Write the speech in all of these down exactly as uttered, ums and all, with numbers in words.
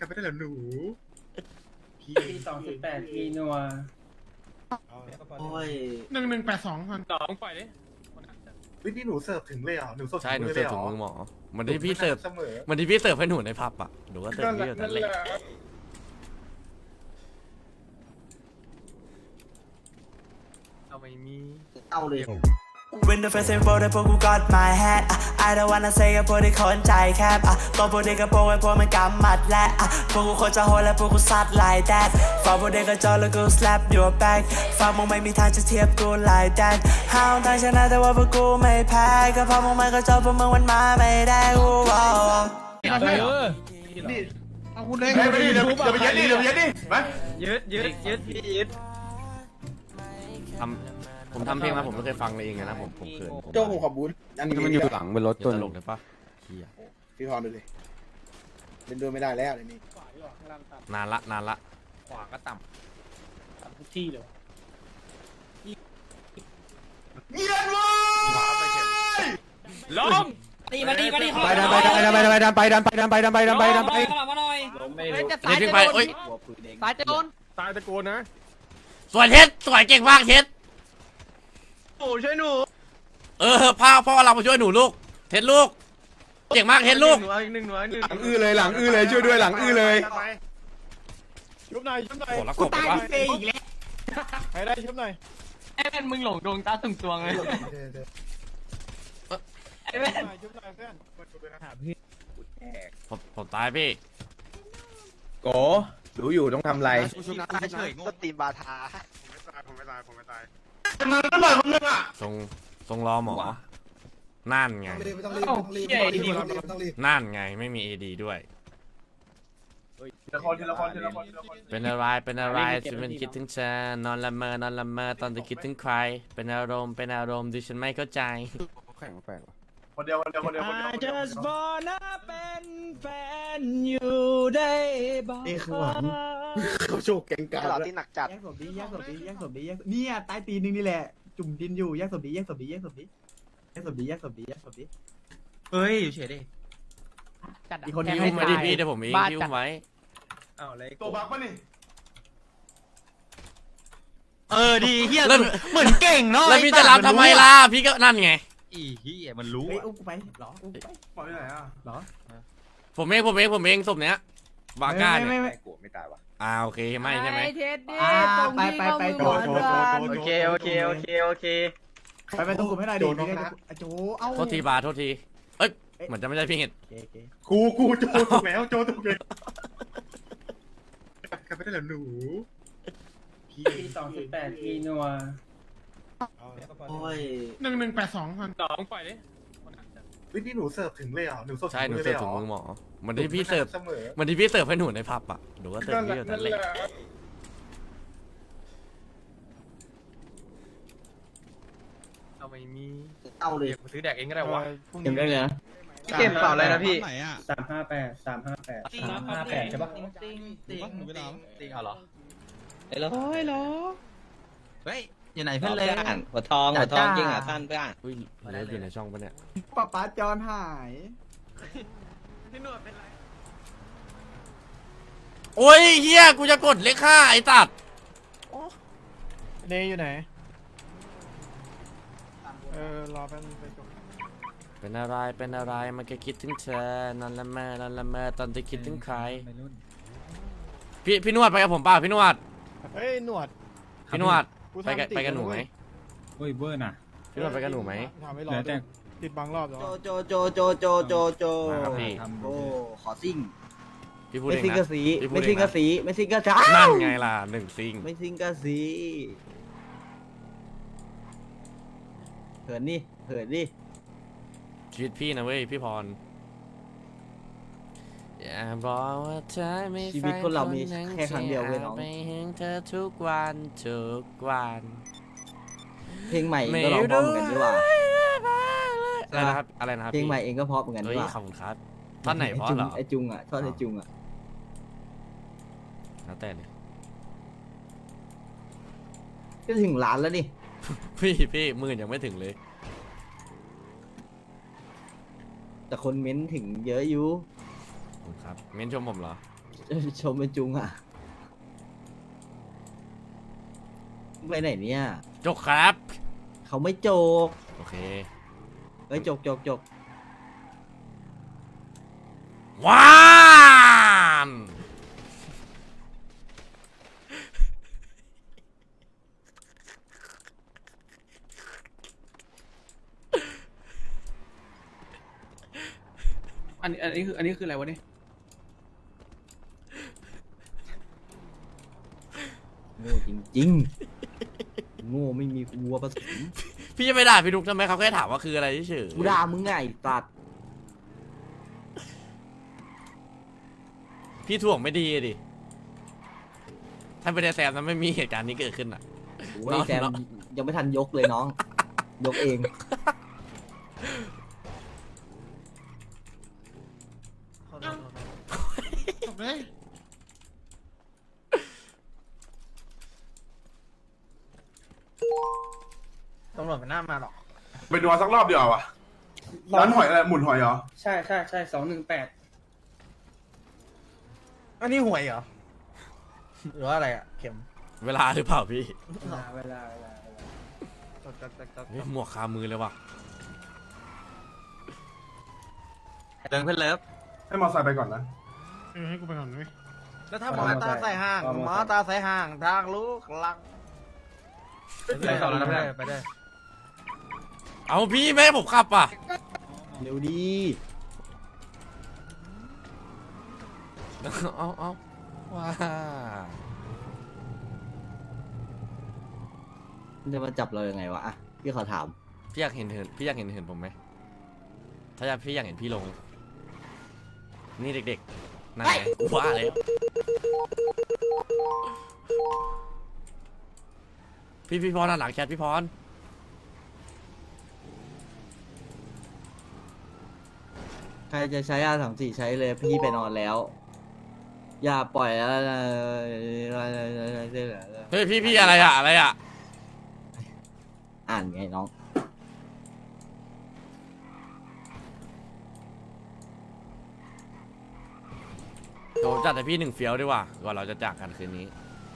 ไม่ได้เหรอหนูปีสองสิบแปดปีนัวโอ้ยหนึ่งหนึ่งแปดสองพันสองปล่อยดิเฮ้ยนี่หนูเสิร์ฟถึงเลยเหรอหนูเสิร์ฟใช่หนูถึงเสิลร์ฟยถุงหมือหมอเหมันที่พี่เสิร์ฟเสมอเหมันที่พี่เสิร์ฟให้หนูในผับอ่ะหนูก็เสิร์ฟพี่แบบนั้นเลยเอาไม่มีเอาเลย When the first info ได้พวกกู got my hat อ่ะ I don't wanna say กับพวกที่คนใจแคบอ่ะตัวพวกเด็กกับพวกไอ้พวกมันกำหมัดและอ่ะพวกกูโคตรจะโหดและพวกกูซัด like that ฝากพวกเด็กกับจอแล้วกู slap your back ฝากมึงไม่มีทางจะเทียบกู like that ห้าวทางชนะแต่ว่าพวกกูไม่แพ้ก็เพราะมึงไม่ก็จอพวกมึงมันมาไม่ได้กูว้าวเอาใช่เหรอนี่เอาคุณเลยเฮ้ยไปดิเดี๋ยวเดี๋ยวไปยัดดิเดี๋ยวไปยัดดิมายึดยึดยึดพี่ยึดทำผมทำเพลงมาผมไม่เคยฟังเลยเองนะผมผมเขินผมโจ้ผมขอบูนอันนี้มันอยู่หลังบนรถตัวตลกเลยปะเฮียพี่พรดูเลยเล่นด้วยไม่ได้แล้วเดี๋ยวนี้นานละนานละขวาก็ต่ำต่ำทุกที่เลยเงียบเว้ยล้มตีมาตีมาตีไปดันไปดันไปดันไปดันไปดันไปดันไปดันไปดันไปดันไปมาหน่อยเฮ้ยพี่ไปเอ้ยตายจะโดนตายตะโกนนะสวยเท็ดสวยเก่งมากเท็ดโอ้ช่วยหนูเออพ่อพ่อเรามาช่วยหนูลูกเท็ดลูกเก่งมากเท็ดลูกหนูอีกหนึ่งหนูอีกหนึ่งหลังอื้อเลยหลังอื้อเลยช่วยด้วยหลังอื้อเลยชุบหน่อยชุบหน่อยโอ้แล้วกบวะใครได้ชุบหน่อยไอ้แม่มึงหลงดวงตาตึงตวงเลยไอ้แม่ชุบหน่อยเพื่อนผมผมตายพี่โกรู้อยู่ต้องทำไรก็ตีบาทาผมไม่ตายผมไม่ตายทรงทรงรอหมอนั่นไงไม่ต้องรีบไม่ต้องรีบไม่ต้องรีบไม่ต้องรีบนั่นไงไม่มีเอดีด้วยทีละคนทีละคนทีละคนทีละคนเป็นอะไรเป็นอะไรฉันเป็นคิดถึงเธอนอนละเมอนอนละเมอตอนจะคิดถึงใคร เป็นอารมณ์เป็นอารมณ์ที่ฉันไม่เข้าใจแข่งแปลกคนเดียวคนเดียวคนเดียวคนเดียวคนเดียว wanna เป็นแฟนอยู่ได้บ้างนี่คือหวานเขาโชว์แกงกาหล่อแล้วที่หนักจัดแยกศพดิแยกศพดิแยกศพดิแยกเนี่ยใต้ตีนนึงนี่แหละ จุ่มดินอยู่แยกศพดิแยกศพดิแยกศพดิแยกศพดิแยกศพดิแยกศพดิเฮ้ยอยู่เฉยดิอีกคนยิ้นี้มไว้ดิพี่เดี๋ยวผมเองยิ้มไว้อ้าวอะไรตัวบักปะนี่เออดีเฮียแล้วเหมือนเก่งเนาะแล้วพี่จะรับทำไมล่ะพี่ก็นั่นไงอีเฮียมันรู้เฮ้ยอุ้มกูไปเหรออุ้มกูไปปล่อยไปไหนอ่ะเหรอผมเองผมเองผมเองศพเนี้ยบาก้าเนี่ยไม่ไม่กลัวไม่ตายวะอ่าโอเคไม่ใช่ไหมอ่าไปไปไปโจโจโจโอเคโอเคโอเคโอเคไปไปตรงกลุ่มให้หน่อยดินี่ได้โจเอ้าโทษทีบาโทษทีเอ้ยเหมือนจะไม่ใช่พี่เห็ดโอเคโอเคกูกูโจถูกแล้วโจถูกแล้วไม่ได้เหรอหนูปีสองสิบแปดปีนัวโอ้ยหนึ่งหนึ่งแปดสองพันสองปล่อยดิเฮ้ยนี่หนูเสิร์ฟถึงเลยเหรอหนูเสิร์ฟใช่หนูถึงเสิลร์ฟยถุงหรมือหมอเหมือนที่พี่เสิร์ฟเสมอเหมือนที่พี่เสิร์ฟให้หนูในผับอ่ะหนูก็เสิร์ฟพี่แบบนั้นเลยเอาไม่มีเอาเลยกูซื้อแดกเองก็ได้วะเก็บได้เลยนะเก็บเปล่าอะไรนะพี่ไหนอ่ะสามห้าแปดสามห้าแปดสามห้าแปดใช่ปะติ๊งติ๊งติ๊งติ๊งเอาเหรอเฮ้ยเหรอเฮ้ยเหรอเฮ้ยอยู่ไหนเพื่อนเลยอ่ะหัวทองหัวทองยิงอ่ะสั้นเพื่อนอุ้ยเลิฟอยู่ในช่องปะเนี่ยป้าป้าจอนหายพี่หนวดเป็นไรโอ้ยเฮียกูจะกดเลขห้าไอ้ตัดเนยอยู่ไหนเออรอแป๊บนึงไปจบเป็นอะไรเป็นอะไรมันก็คิดถึงเธอนอนละเมอนอนละเมอตอนจะคิดถึงใครพี่พี่นวดไปกับผมเปล่าพี่นวดเฮ้ยหนวดพี่นวดกูไปกับทำติดไปกับหนูไหมเว้ยเฮ้ยเบอร์น่ะพี่นวดไปกับหนูไหมทำไม่รอด้วยติดบางรอบแล้วโจโจโจโจโจโจโจมาครับพี่โอ้ขอซิ่งพี่พูดไม่เองซิงกะนะสีพี่พูไม่ดเอซิงงกะนะสีไม่ซิงกะจ้านั่นไงล่ะหนึ่งซิงไม่ซิงกะสีเหินนี่เหินนี่ชีวิตพี่นะเว้ยพี่พรอย่าบอกว่าเธอไม่ชีวิตคนเรามีแค่ครั้งเดียวเว้ยน้องไปหึงเธอทุกวันทุกวันเพลงใหม่เองก็ร้องเพราะเหมือนกันดีกว่าอะไรนะครับอะไรนะครับเพลงพี่ใหม่เองก็เพราะเหมือนกันเฮ้ดียกว่าขอบคุณครับท่อนไหนเพราะเหรอไอจุงอ่ะทอดไอจุงอ่ะแล้วแต่เลยก็ถึงล้านแล้วนี่พี่พี่หมื่นยังไม่ถึงเลยแต่คนเม้นถึงเยอะอยู่ขอบคุณครับเม้นชมผมเหรอชมเป็นจุงอ่ะไปไหนเนี่ยจกครับเขาไม่โจกโอเคเอ้ยโจกโจกโจกว้ามอันนี้อันนี้คืออันนี้คืออะไรวะเนี่ยโง่จริงๆโง่ไม่มีวัวผสมพี่จะไปด่าพี่นุกทำไมเขาแค่ถามว่าคืออะไรเฉยๆกูด่ามึงไงไอ้ตัดพี่ถ่วงไม่ดีอะดิ ถ้าไม่ได้แซมนั้นไม่มีเหตุการณ์นี้เกิดขึ้นอ่ะโอ้ยแซมยังไม่ทันยกเลยน้อง ยกเองตำรวจมันน่ามาหรอกไปดูสักรอบเดียววะร้านหอยอะไรหมุนหอยเหรอใช่ใช่ใช่สองหนึ่งแปดอันนี้หวยเหรอ หรือว่าอะไรอ่ะ เข็มเวลาหรือเปล่าพี่เวลาเวลาเวลาจัดจัดจัดจัดเฮ้ยหมวกคามือเลยว่ะเดินเพื่อนเลิฟให้มอไซค์ไปก่อนนะเออให้กูไปก่อนด้วยแล้วถ้าหมอตาใส่ห่างหมอตาใส่ห่างทางลูกหลังไปต่อแล้วนะเพื่อนไปได้เอาพี่แม่ให้ผมขับอ่ะเร็วดีเอาเอาว้ามันจะมาจับเรายังไงวะอ่ะพี่ขอถามพี่อยากเห็นเหินพี่อยากเห็นเหินผมไหม ถ้าอยากพี่อยากเห็นพี่ลง นี่เด็กๆนั่นไงว้าเลยพี่พี่พรหลังแคทพี่พรใครจะใช้อาสามสี่ใช้เลยพี่ไปนอนแล้ว อย่าปล่อยแล้วเฮ้ยพี่พี่อะไรอะอะไรอะอ่านไงน้องเดี๋ยวผมจัดให้พี่หนึ่งเฟี้ยวดีกว่าก่อนเราจะจากกันคืนนี้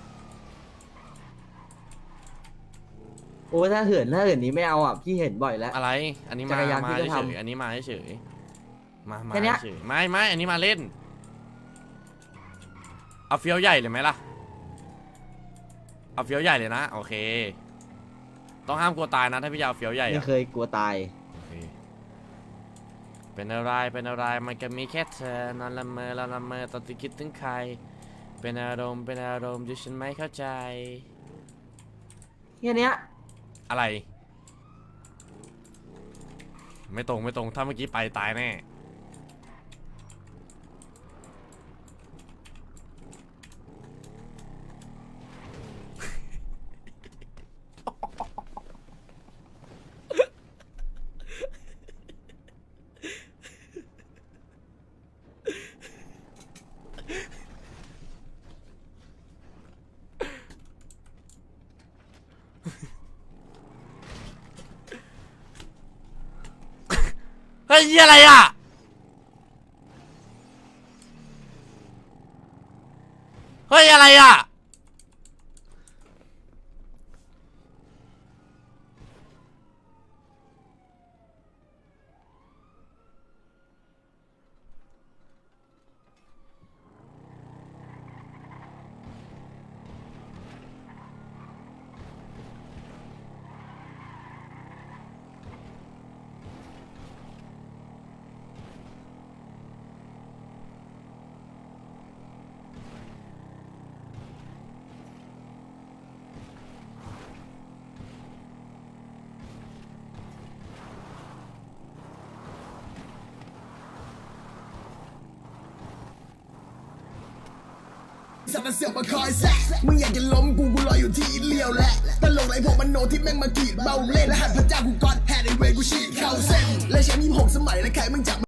โอ้ยถ้าเหินถ้าเหินนี้ไม่เอาอ่ะพี่เห็นบ่อยแล้วอะไร อันนี้จัมากรยานมาพี่ก็เฉยทำๆอันนี้มาเฉยๆมามาแค่เนี้ยเฉยๆไม่ไม่อันนี้มาเล่น เอาเฟี้ยวใหญ่เลยไหมล่ะ เอาเฟี้ยวใหญ่เลยนะโอเค ต้องห้ามกลัวตายนะถ้าพี่จะเอาเฟี้ยวใหญ่ไม่อะเคยกลัวตายโอเคเป็นอะไรเป็นอะไรมันก็มีแค่เธอนอนละเมอละละเมอตอนที่คิดถึงใคร เป็นอารมณ์เป็นอารมณ์ที่ฉันไม่เข้าใจแค่เนี้ยอะไร ไม่ตรงไม่ตรงถ้าเมื่อกี้ไปตายแน่เฮ้ยอะไรอ่ะเฮ้ยอะไรอ่ะสัตว์เสียบมาคอยแซะมึงอยากจะล้มกูกูรออยู่ที่เลี้ยวแหละตลกไรพวกมันโนที่แม่งมากรีดเบาเล่นและหันพระเจ้ากูกอดแฮดไอเวกูฉีดเข้าเส้นและแชมป์ยี่สิบหกสมัยและใครมึงจับ